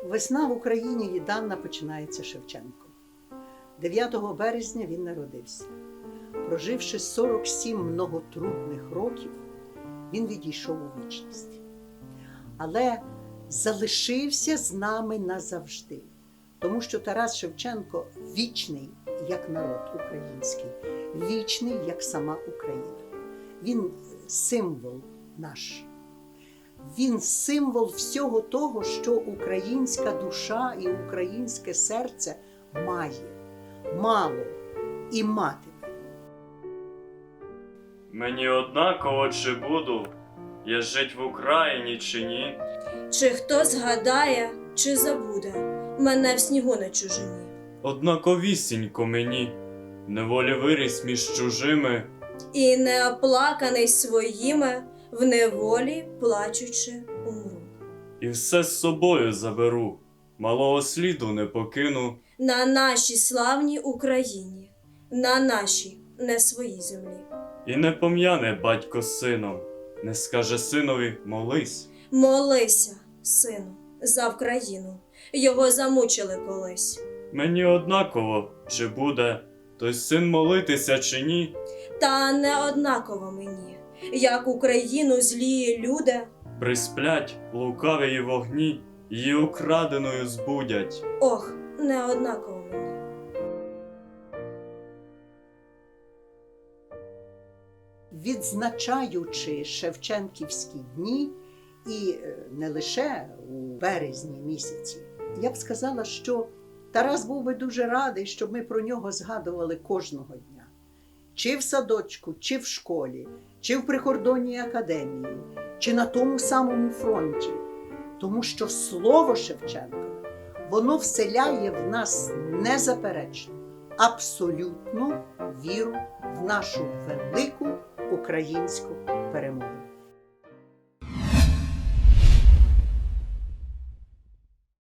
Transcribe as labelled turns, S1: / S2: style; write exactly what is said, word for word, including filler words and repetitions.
S1: Весна в Україні віддавна починається Шевченком. дев'ятого березня він народився. Проживши сорок сім многотрудних років, він відійшов у вічність. Але залишився з нами назавжди, тому що Тарас Шевченко вічний, як народ український, вічний, як сама Україна. Він символ наш. Він символ всього того, що українська душа і українське серце має, мало і матиме.
S2: Мені однаково, чи буду я жить в Україні, чи ні.
S3: Чи хто згадає, чи забуде мене в снігу на чужині.
S2: Однаковісінько мені, неволі виріс між чужими.
S3: І неоплаканий своїми, в неволі плачучи умру.
S2: І все з собою заберу, малого сліду не покину.
S3: На нашій славній Україні, на нашій не своїй землі.
S2: І не пом'яне батько з сином, не скаже синові молись.
S3: Молися, сину, за Вкраїну, його замучили колись.
S2: Мені однаково, чи буде той син молитися, чи ні.
S3: Та не однаково мені, як Україну злії люди
S2: Присплять лукаві вогні, її украденою збудять.
S3: Ох, не однаково мені.
S1: Відзначаючи шевченківські дні, і не лише у березні місяці, я б сказала, що Тарас був би дуже радий, щоб ми про нього згадували кожного дня. Чи в садочку, чи в школі, чи в прикордонній академії, чи на тому самому фронті. Тому що слово Шевченка, воно вселяє в нас незаперечно, абсолютну віру в нашу велику українську перемогу.